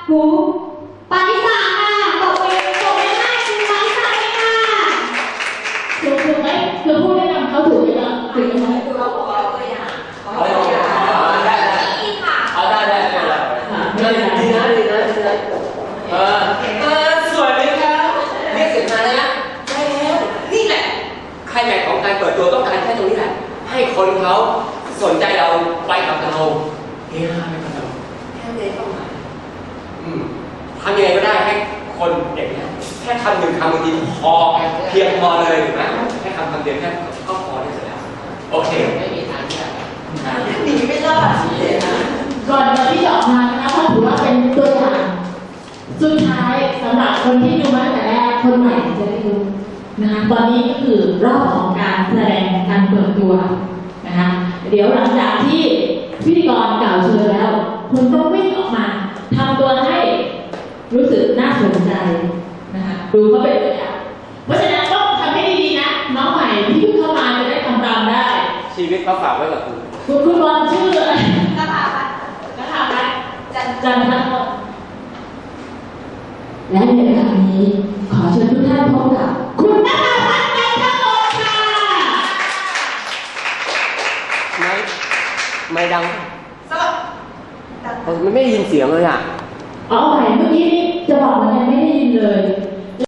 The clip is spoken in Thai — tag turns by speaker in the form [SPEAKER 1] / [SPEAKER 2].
[SPEAKER 1] หูปาริสาค่ะตบมือให้คุณปาริสาเลยค่ะ
[SPEAKER 2] ถูกไหมคือพูดแนะนำเขาถูกไหมล่ะถูกไหม
[SPEAKER 3] เขาบอกว่าตัวอย่าง
[SPEAKER 4] ได้ดีนะสวยไหมครับเรียกเสร็จมาแล้วนะได้แล้วนี่แหละใครแม็กของการเปิดตัวต้องการแค่ตรงนี้แหละให้คนเขาสนใจเราไปกับเราเฮ้ยไปกับเราแค่นี้ต้องมาทำยังไงก็ได้ให้คนเด็กเนี่ยแค่คำหนึ่งคำบางทีพอเพียงพอเลยถูกไหมแค่คำเดียวแค่ก็พอได้เสร็จแล้วโอเคไม่มีทางที่จะ
[SPEAKER 3] หนีไม่รอดเลยนะ
[SPEAKER 2] ก่อนที่จะออกมานะคะถ้าถือว่าเป็นตัวอย่างสุดท้ายสำหรับคนที่ดูมาตั้งแต่แรกคนใหม่จะได้ดูนะคะตอนนี้ก็คือรอบของการแสดงการเปิดตัวนะคะเดี๋ยวหลังจากที่พิธีกรกล่าวเชิญแล้วคุณต้องวิ่งออกมาทำตัวให้รู้สึกน่าสนใจนะคะดูเขาเป็นตัวอย่างเพราะฉะนั้นต้องทำให้ดีๆนะน้องใหม่ที่เพิ่งเข้ามาจะได้ทำตามได้
[SPEAKER 4] ชีวิตเขาฝากไว้กับ
[SPEAKER 2] คุณบอลชื่ออะไร
[SPEAKER 3] นะคะ
[SPEAKER 2] จันทร์และในครั้งนี้ขอเชิญทุกท่านพบกับคุณนภาพัฒน์จันทร์ค่ะ
[SPEAKER 4] ไม่ดัง
[SPEAKER 3] สวัสดี
[SPEAKER 4] มันไม่ได้ยินเสียงเลยอ่ะ
[SPEAKER 2] อ๋อใหม่เมื่อกี้จะบอกมันยังไม่ได้ยินเลย